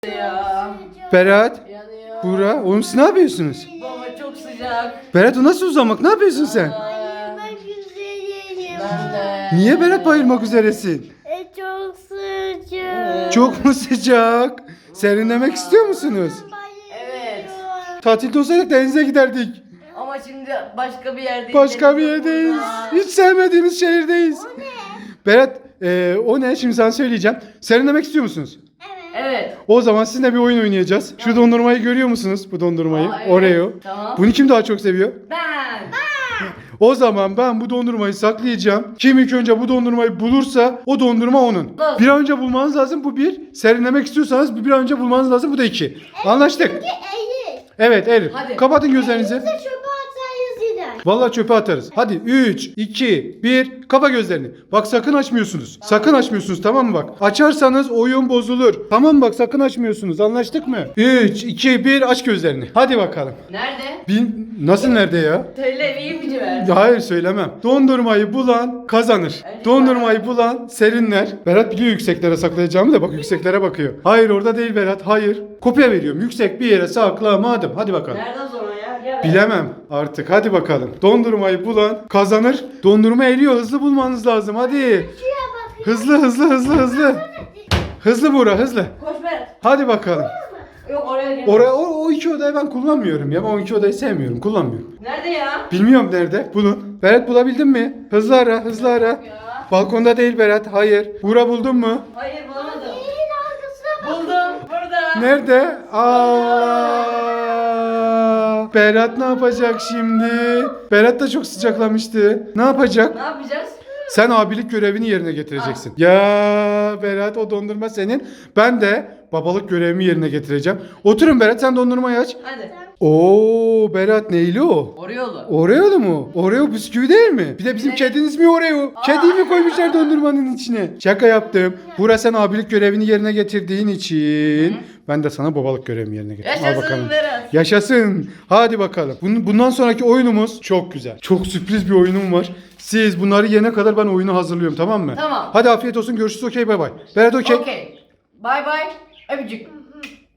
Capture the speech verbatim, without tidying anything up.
Ya. Berat, Yanıyor. Buğra, oğlum siz ne yapıyorsunuz? Baba çok sıcak. Berat o nasıl uzamak? Ne yapıyorsun sen? Bayılmak üzereyim. Ben de. Niye Berat bayılmak üzeresin? E, çok sıcak. Çok mu sıcak? Serinlemek istiyor musunuz? Evet. Tatilde olsaydık denize giderdik. Ama şimdi başka bir yerdeyiz. Başka bir yerdeyiz. Hiç sevmediğimiz şehirdeyiz. O ne? Berat, e, o ne? Şimdi sana söyleyeceğim. Serinlemek istiyor musunuz? Evet. Evet. O zaman sizinle bir oyun oynayacağız. Şu dondurmayı görüyor musunuz? Bu dondurmayı. Aa, evet. Oreo. Tamam. Bunu kim daha çok seviyor? Ben. O zaman ben bu dondurmayı saklayacağım. Kim ilk önce bu dondurmayı bulursa o dondurma onun. Nasıl? Bir an önce bulmanız lazım. Bu bir. Serinlemek istiyorsanız bir, bir an önce bulmanız lazım. Bu da iki. Anlaştık. Eğil. Evet erir. Hadi. Kapatın gözlerinizi. Bize çöpe atarız gider. Vallahi çöpe atarız. Hadi üç, iki, bir. Kapa gözlerini. Bak sakın açmıyorsunuz. Sakın açmıyorsunuz, tamam mı bak? Açarsanız oyun bozulur. Tamam mı bak, sakın açmıyorsunuz. Anlaştık mı? üç, iki, bir. Aç gözlerini. Hadi bakalım. Nerede? Bin... Nasıl nerede ya? Söyle iyi ipucu ver. Hayır söylemem. Dondurmayı bulan kazanır. Dondurmayı bulan serinler. Berat biliyor yükseklere saklayacağımı da bak yükseklere bakıyor. Hayır orada değil Berat, hayır. Kopya veriyorum. Yüksek bir yere saklamadım. Hadi bakalım. Nereden sonra ya? Gel. Bilemem artık, hadi bakalım. Dondurmayı bulan kazanır. Dondurma eriyor, hızlı bulmanız lazım hadi. Şuraya bak. Hızlı hızlı hızlı hızlı. Hızlı Buğra, hızlı. Koş Berat. Hadi bakalım. Yok oraya gel. Oraya, o, o iki odayı ben kullanmıyorum ya. Ben o iki odayı sevmiyorum, kullanmıyorum. Nerede ya? Bilmiyorum nerede. Bulun. Berat bulabildin mi? Hızlı ara, hızlı ara. Ya. Balkonda değil Berat. Hayır. Buğra buldun mu? Hayır bulamadım. Elin arkasına bak. Buldum. Burada. Nerede? Aa! Berat ne yapacak şimdi? Berat da çok sıcaklamıştı. Ne yapacak? Ne yapacağız? Sen abilik görevini yerine getireceksin. Ya Berat, o dondurma senin. Ben de babalık görevimi yerine getireceğim. Oturun Berat, sen dondurmayı aç. Hadi. Oo Berat, neyli o? Oreo'lu. Oreo'lu mu? Oreo bisküvi değil mi? Bir de bizim Evet. kediniz mi Oreo? Kediyi mi koymuşlar dondurmanın içine? Şaka yaptım. Buğra, sen abilik görevini yerine getirdiğin için ben de sana babalık görevimi yerine getirdim. Al Yaşasın bakalım. Berat. Yaşasın. Hadi bakalım. Bun- Bundan sonraki oyunumuz çok güzel. Çok sürpriz bir oyunum var. Siz bunları yene kadar ben oyunu hazırlıyorum, tamam mı? Tamam. Hadi afiyet olsun. Görüşürüz. Okey, bay bay. Berat okey. Okey. Bye bye. Öpücük.